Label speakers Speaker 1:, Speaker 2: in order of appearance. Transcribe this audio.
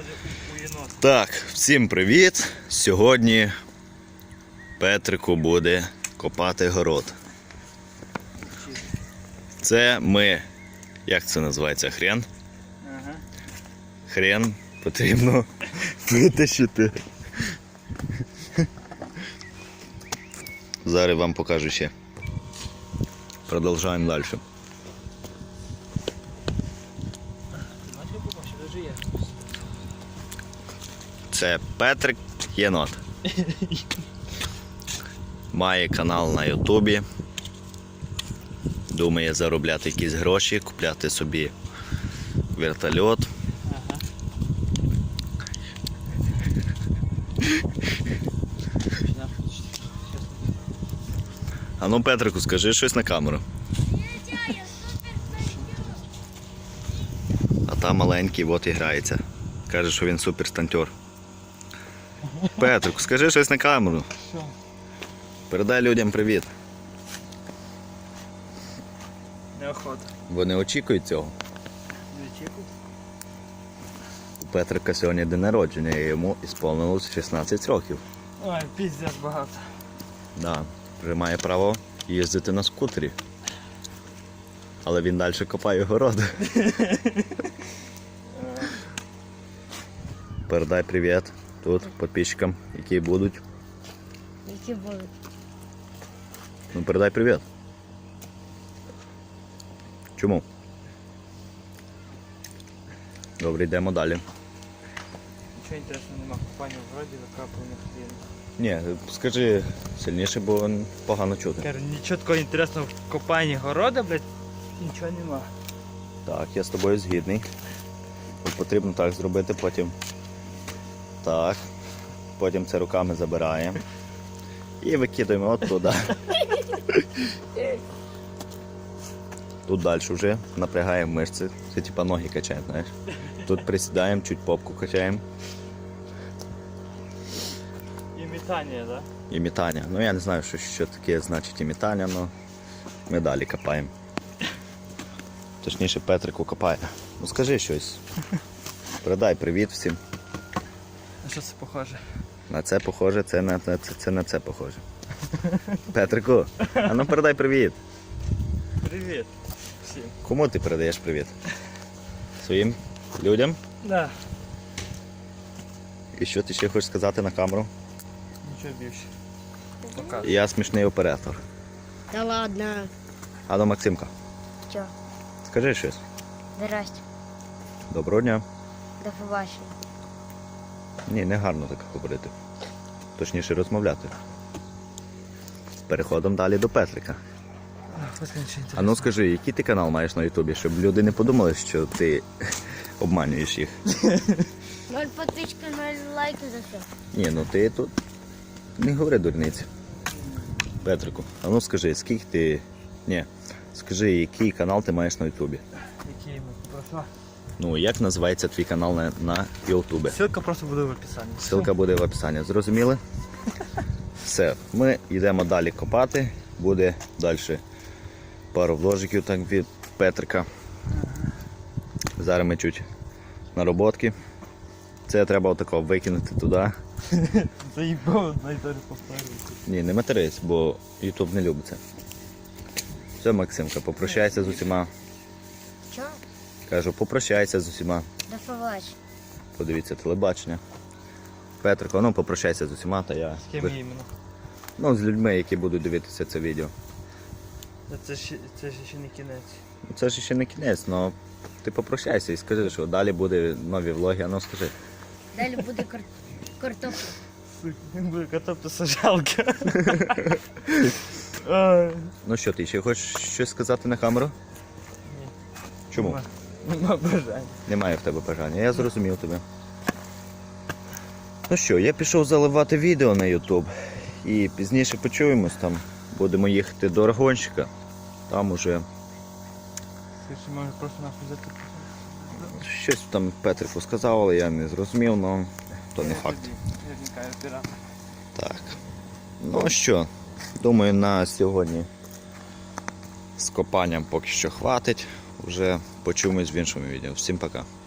Speaker 1: у єнота.
Speaker 2: Так, всім привіт! Сьогодні Петрику буде копати город. Це ми, як це називається, хрен?
Speaker 1: Ага.
Speaker 2: Хрен потрібно витащити. Зараз вам покажу ще. Продовжуємо далі. Це Петрик Єнот. Має канал на Ютубі. Думає заробляти якісь гроші, купляти собі вертольот.
Speaker 1: Ага.
Speaker 2: А ну, Петрику, скажи щось на камеру. А там маленький от і грається. Каже, що він суперстантер. Петрику, скажи щось на камеру.
Speaker 1: Що?
Speaker 2: Передай людям привіт.
Speaker 1: Неохота.
Speaker 2: Вони очікують цього.
Speaker 1: Не очікують?
Speaker 2: У Петрика сьогодні день народження, і йому ісполнилось 16 років.
Speaker 1: Ой, піздець багато.
Speaker 2: Да, вже має право їздити на скутері. Але він далі копає город. Передай привіт тут підписчикам, які будуть.
Speaker 3: Які будуть?
Speaker 2: Ну, передай привіт. Чому? Добре, йдемо далі.
Speaker 1: Нічого інтересного нема. Купання в городі, закапування хліба.
Speaker 2: Ні, скажи сильніше, бо погано чути.
Speaker 1: Кажу, нічого такого інтересного в копанні города, блядь, нічого нема.
Speaker 2: Так, я з тобою згідний. От потрібно так зробити, потім так. Потім це руками забираємо. І викидаємо от туди. Тут далі вже напрягаємо мишці. Це типа ноги качаємо, знаєш. Тут присідаємо, чуть попку качаємо.
Speaker 1: Імітання, так?
Speaker 2: Імітання. Ну я не знаю, що таке значить імітання, але ми далі копаємо. Точніше, Петрику копає. Ну скажи щось. Передай привіт всім.
Speaker 1: А що це похоже?
Speaker 2: На це похоже, це на це похоже. Петрику, а ну передай привіт.
Speaker 1: Привіт всім.
Speaker 2: Кому ти передаєш привіт? Своїм людям?
Speaker 1: Да.
Speaker 2: І що ти ще хочеш сказати на камеру?
Speaker 1: Нічого більше. Показуй.
Speaker 2: Я смішний оператор.
Speaker 3: Та ладно.
Speaker 2: А ну, Максимка,
Speaker 3: Чо?
Speaker 2: скажи щось.
Speaker 3: Здрасте.
Speaker 2: Доброго дня.
Speaker 3: До побачення.
Speaker 2: Ні, не гарно так говорити. Точніше розмовляти. Переходимо далі до Петрика. А ну скажи, який ти канал маєш на Ютубі, щоб люди не подумали, що ти обманюєш їх.
Speaker 3: 0 підписчиків, 0 лайків за все.
Speaker 2: Ні, ну ти тут не говори дурниці. Петрику, а ну скажи, скільки ти... Ні, скажи, який канал ти маєш на Ютубі?
Speaker 1: Які ми? Про що?
Speaker 2: Ну, як називається твій канал на Ютубі?
Speaker 1: Ссылка просто буде в описанні.
Speaker 2: Ссылка буде в описанні. Зрозуміли? Все, ми йдемо далі копати. Буде далі пару вложиків так від Петрика. Зараз ми чуть нароботки. Це треба отако викинути туди.
Speaker 1: Заїбав, найдалі повторюється.
Speaker 2: Ні, не матерись, бо Ютуб не любить це. Все, Максимка, попрощайся з усіма.
Speaker 3: Чо?
Speaker 2: Кажу, попрощайся з усіма.
Speaker 3: До побачення.
Speaker 2: Подивіться телебачення. Петрико, ну попрощайся з усіма, та я.
Speaker 1: З ким іменно?
Speaker 2: Ну, з людьми, які будуть дивитися це відео.
Speaker 1: Це ж ще не кінець.
Speaker 2: Це ж ще не кінець, але ти попрощайся і скажи, що далі буде нові влоги, а ну скажи.
Speaker 3: Далі буде картопля.
Speaker 1: Сука, він буде картоплесаджалка.
Speaker 2: Ну що, ти ще хочеш щось сказати на камеру?
Speaker 1: Ні.
Speaker 2: Чому?
Speaker 1: Нема бажання.
Speaker 2: Немає в тебе бажання, я зрозумів тебе. Ну що, я пішов заливати відео на YouTube. І пізніше почуємось, там будемо їхати до Аргонщика. Там уже
Speaker 1: Скажи, може просто нахуй взяти.
Speaker 2: щось там Петрику сказав, але я не зрозумів, але то не факт.
Speaker 1: Я вникаю пірата.
Speaker 2: Так. Ну що, думаю, на сьогодні з копанням поки що хватить. Вже почуємось в іншому відео. Всім пока.